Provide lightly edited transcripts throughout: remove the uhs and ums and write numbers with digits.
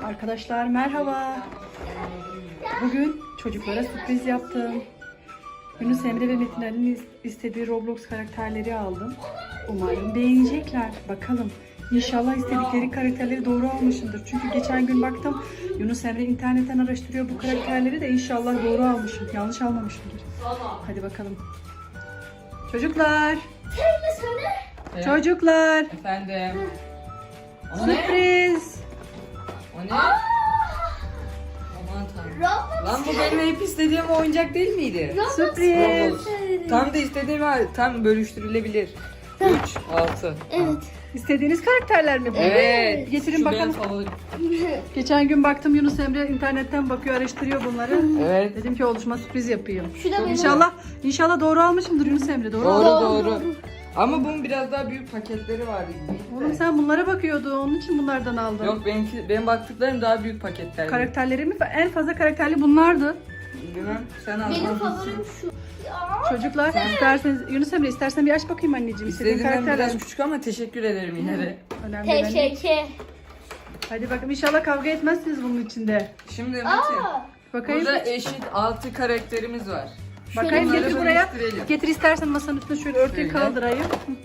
Arkadaşlar merhaba. Bugün çocuklara sürpriz yaptım. Yunus Emre ve Metin Ali'nin istediği Roblox karakterleri aldım. Umarım beğenecekler. Bakalım. İnşallah istedikleri karakterleri doğru almışımdır. Çünkü geçen gün baktım Yunus Emre internetten araştırıyor bu karakterleri de inşallah doğru almışım. Yanlış almamışımdır. Hadi bakalım. Çocuklar. Evet. Çocuklar. Efendim. O ne? Sürpriz. O ne? Aman tanrım. Lan bu benim hep istediğim oyuncak değil miydi? Sürpriz. Roblox. Tam da istediğim var. Tam bölüştürülebilir. 3, 6. Evet. İstediğiniz karakterler mi bu? Evet. Getirin Şu bakalım. benim favorim. Geçen gün baktım Yunus Emre internetten bakıyor, araştırıyor bunları. Evet. Dedim ki oluşuma sürpriz yapayım. Şu da benim. İnşallah doğru almışımdır Yunus Emre. Doğru Doğru aldın. doğru. Ama bunun biraz daha büyük paketleri vardı. Oğlum sen bunlara bakıyordun. Onun için bunlardan aldın. Yok benim baktıklarım daha büyük paketler. Karakterleri mi? En fazla karakterli bunlardı. Bilmem. Sen al. Benim favorim şu. Ya. Çocuklar isterseniz Yunus Emre istersen bir aç bakayım anneciğim. İstediğin İstediğimden karakterler. biraz küçük ama teşekkür ederim yine de. Önemli değil. Teşekkür. Hadi bakalım inşallah kavga etmezsiniz bunun içinde. Şimdi Metin. Bakayım. Burada eşit 6 karakterimiz var. Bakayım Bunları getir buraya. bölüştürelim. Getir istersen masanın üstüne şöyle örtüyü Şöyle. kaldırayım.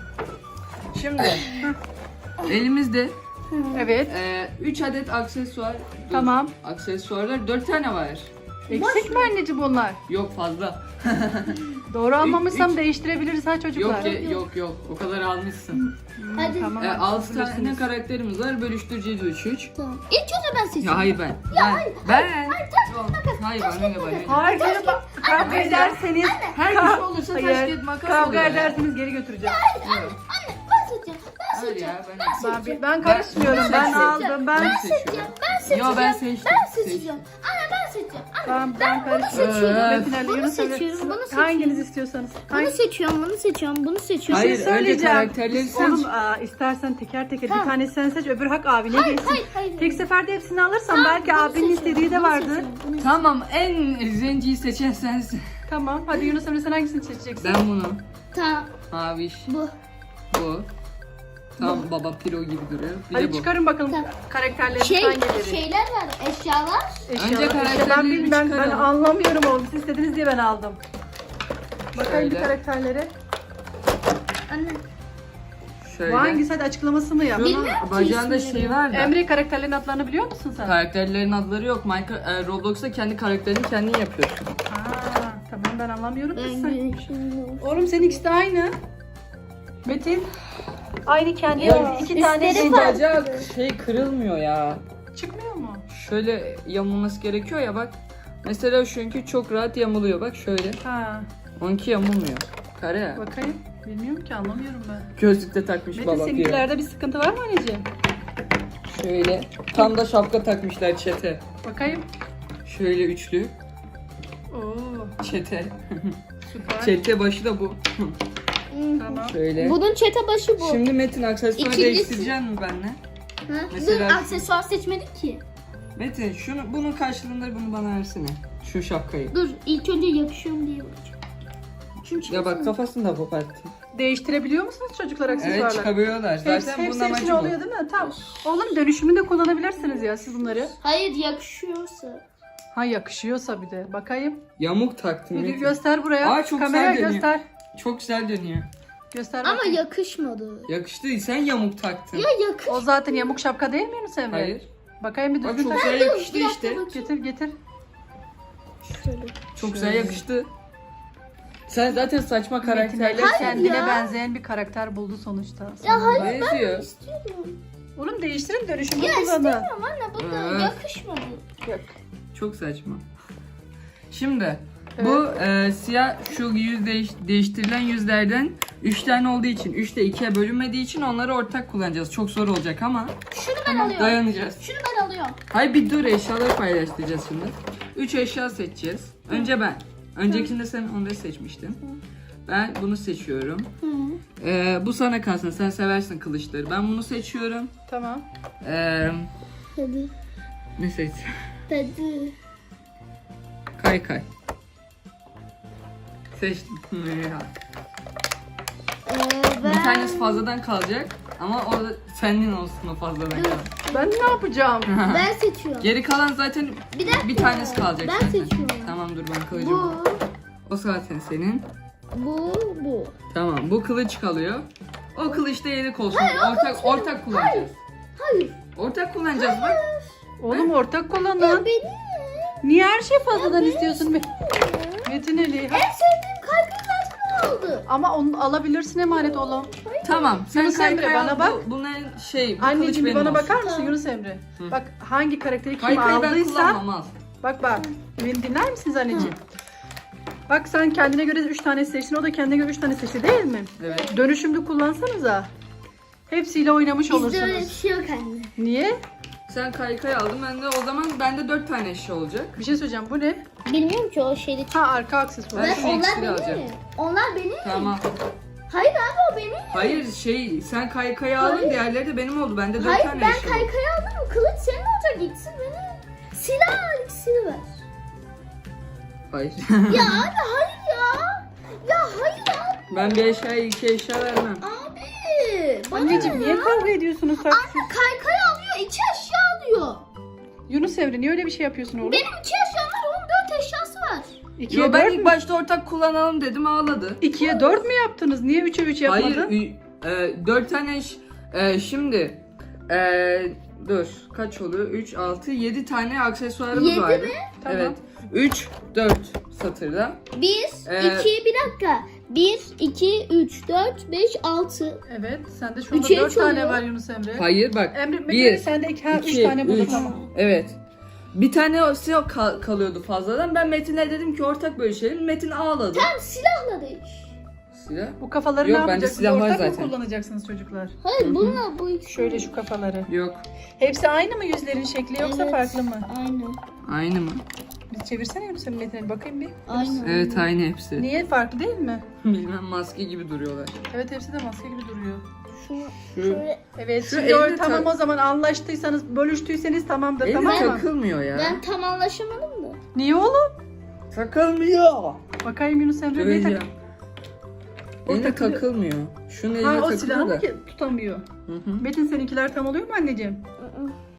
Şimdi elimizde Evet. 3 adet aksesuar. Tamam. Aksesuarlar 4 tane var. Eksik mi anneciğim bunlar? Yok fazla. Doğru almamışsam üç- değiştirebiliriz ha çocuklar. Yok. O kadar almışsın. Hadi. Tamam. 6 tane bilirsiniz. karakterimiz var. Bölüştüreceğiz 3-3. Tamam. İlk önce ben seçeyim. Ya hayır ben. Ben. Yok, hayır ben öyle ben. Hayır canım kavga ederseniz Her bir şey olursa taş hayır, kağıt makas kavga oluyor ya. ederseniz geri götüreceğim. Anne ben seçeceğim. Ben Hayır seçeceğim. ya Ben karışmıyorum. Ben seçiyorum. aldım. Ben Ben seçeceğim. Yo ben seçtim. Ben seçeceğim. Anne ben seçeceğim. Anne ben karışmıyorum. seçiyorum. Metin Ali, Bunu Yunus Emre, seçiyorum, bunu seçiyorum. hanginiz istiyorsanız. bunu seçiyorum. Bunu seçiyorum. Bunu seçiyorum. Hayır, şey önce söyleyeceğim. karakterleri seç. Oğlum istersen teker teker bir tane sen seç öbür hak abine geçsin. Hayır. Tek seferde hepsini alırsan belki Bunu abinin seçiyorum, istediği de bunu vardır. seçiyorum, bunu Tamam en zenciyi seçen sensin. Tamam. Hadi Yunus Emre sen hangisini seçeceksin? Ben bunu. Tamam. Maviş. Bu. Bu. Tam baba piro gibi duruyor. Bir de Hadi bu. çıkarın bakalım Tamam. karakterlerin hangileri. Şeyler var. Eşyalar. Önce karakterleri ben çıkaralım. anlamıyorum oğlum. Siz istediniz diye ben aldım. Bakayım bir Şöyle. karakterlere. Anne. Şöyle. Bu hangisi? Hadi açıklamasını yap. Şunun bacağında şey var da. Emre karakterlerin adlarını biliyor musun sen? Karakterlerin adları yok. Roblox'ta kendi karakterini kendin yapıyorsun. Tamam ben anlamıyorum ki Ben sen. güneşim. Oğlum senin ikisi de aynı. Metin. Aynı kendi Ya, iki tane üstleri şey farklı. Bacak şey kırılmıyor ya. çıkmıyor mu? Şöyle yamulması gerekiyor ya bak. Mesela şunki çok rahat yamuluyor bak şöyle. Ha, Onunki yamulmuyor. Kare ya. bakayım. Bilmiyorum ki anlamıyorum ben. Gözlükte takmış Metin baba piro. seninkilerde bir sıkıntı var mı anneciğim? Şöyle. Tam da şapka takmışlar çete. Bakayım. Şöyle üçlü. Oo, Çete. süper. Çete başı da bu. Tamam. Şöyle. Bunun çete başı bu. Şimdi Metin aksesuar İkincisi- değiştirecek mi benimle? Ha? Mesela- Dur aksesuar seçmedik ki. Metin bunun karşılığında bunu bana versene. Şu şapkayı. Dur ilk önce yakışıyor mu diye bakacağım. Çünkü Ya bak kafasını da koparttım. Değiştirebiliyor musunuz çocuklar aksesuarları? Evet çıkabiliyorlar. Zaten bunun hepsi amacı bu. oluyor değil mi? Tamam. Oğlum dönüşümünde kullanabilirsiniz ya siz bunları. Hayır yakışıyorsa. Ha yakışıyorsa bir de. Bakayım. Yamuk taktım Bir Metin. göster buraya. Aa, çok Kameraya güzel dönüyor. göster. Çok güzel dönüyor. Göster Ama bakayım. yakışmadı. Yakıştı. Sen yamuk taktın. Ya yakış. O zaten yamuk şapka değil mi Yunus Emre? Hayır. Bakayım bir Bak düzgün çok tak. güzel yakıştı Bir dakika işte. bakayım. Getir. Şöyle. Çok güzel yakıştı. Sen zaten saçma karakterler Kendine ya. benzeyen bir karakter buldu sonuçta. Ya hayır benziyor. istiyorum. Oğlum değiştirin dönüşümü Ya kullanın. istemiyorum anne bu da Evet. yakışmadı. Yok. Çok saçma. Şimdi bu siyah şu değiştirilen yüzlerden 3 tane olduğu için 3'te 2'ye bölünmediği için onları ortak kullanacağız. Çok zor olacak ama Şunu ben alıyorum. dayanacağız. Şunu ben alıyorum. Hayır bir dur eşyaları paylaştıracağız şimdi. 3 eşya seçeceğiz. Önce ben. Öncekinde sen onları seçmiştin. Ben bunu seçiyorum. Bu sana kalsın. Sen seversin kılıçları. Ben bunu seçiyorum. Tamam. Hadi. Ne seç? Hadi. Kay. Seçtim. Ben... Bir tanesi fazladan kalacak. Ama o da senin olsun o fazladan kalan. Ben ne yapacağım? Ben seçiyorum. Geri kalan zaten Bir dakika. bir tanesi kalacak Ben zaten. seçiyorum. Tamam dur ben kılıcımı. Bu, O zaten senin. bu. Tamam bu kılıç kalıyor. O kılıç da yedek olsun. Ortak kullanacağız. Hayır. Ortak kullanacağız bak. Oğlum ortak Ya kullanın. benim. Niye her şey fazladan istiyorsun? Metin Ali. En sevdiğim kaykayı zaten aldı. Ama onu alabilirsin emanet oğlum. Tamam sen Yunus Emre, kaykay bana al. bak. Bunların bu Anneciğim kılıç bir bana benim bakar olsun. mısın Yunus Emre? Hı. Bak hangi karakteri kim Kaykayı ben aldıysa. kullanmam al. Bak. Beni dinler misiniz anneciğim? Bak sen kendine göre 3 tane seçtin. O da kendine göre 3 tane seçti değil mi? Evet. Dönüşümlü kullansanıza. Hepsiyle oynamış Bizde öyle bir olursunuz. şey yok anne. Niye? Sen kaykay aldın. Ben de o zaman bende 4 tane eşya olacak. Bir şey söyleyeceğim. Bu ne? Bilmiyorum ki o şeyde. Ha arka aksesuar. Ben şu onlar iksiri benim. alacağım. Onlar benim. Tamam. Hayır abi o benim. Hayır sen kaykayı aldın, diğerleri de benim oldu. Bende 4 Hayır tane ben eşya oldu. kaykayı aldım. Kılıç senin olacak. İkisi benim. Silah ikisini ver. Hayır. Ya abi hayır ya. Ya hayır abi. Ben bir eşyaya 2 eşya vermem. Abi. Bana Anneciğim ne niye ya? kavga ediyorsunuz sen? Anne kaykayı alıyor. 2 eşya alıyor. Yunus Emre niye öyle bir şey yapıyorsun oğlum? Benim 2 eşyam var. Onun 4 eşyası var. 2'ye Yo ben 4 ilk mü? başta ortak kullanalım dedim ağladı. 2'ye 4 mü yaptınız? Niye 3'e 3 yapmadın? Hayır 4 tane şimdi dur kaç oluyor? 3, 6, 7 tane aksesuarımız 7 vardı. mi? Tamam. Evet. 3, 4 satırda. 1, Ee, 2, bir dakika. 1, 2, 3, 4, 5, 6. Evet. Sende şu anda Üçe 4 üç tane oluyor. var Yunus Emre. Hayır bak. Emre Metin 1, sende 3 2, tane burada 3. tamam. Evet. Bir tane o silah kalıyordu fazladan. Ben Metin'e dedim ki ortak bölüşelim. Metin ağladı. Tam silahla değiş. Silah. Bu kafaları Yok, ne bende yapacaksınız? silah var Ortak mı zaten. kullanacaksınız çocuklar? Hayır bununla bu ikisi. Şöyle şu kafaları. Yok. Hepsi aynı mı yüzlerin şekli yoksa Evet, farklı mı? Aynı. Aynı mı? Bir çevirsene Yunus Emre Metin'e bakayım bir. Aynı. Evet aynı hepsi. Niye farklı değil mi? Bilmem maske gibi duruyorlar. Evet hepsi de maske gibi duruyor. Şunu Şu şöyle. Evet Şu şimdi elle tamam tak- o zaman anlaştıysanız bölüştüyseniz tamamdır eli tamam mı? takılmıyor ya. Ben tam anlaşamadım da. Niye oğlum? Takılmıyor. Bakayım Yunus Emre niye Şöyle. tak? Eline takılıyor. takılmıyor. Şunun eline Ha o takılıyor silahı da. mı ki tutamıyor? Hı hı. Metin seninkiler tam oluyor mu anneciğim?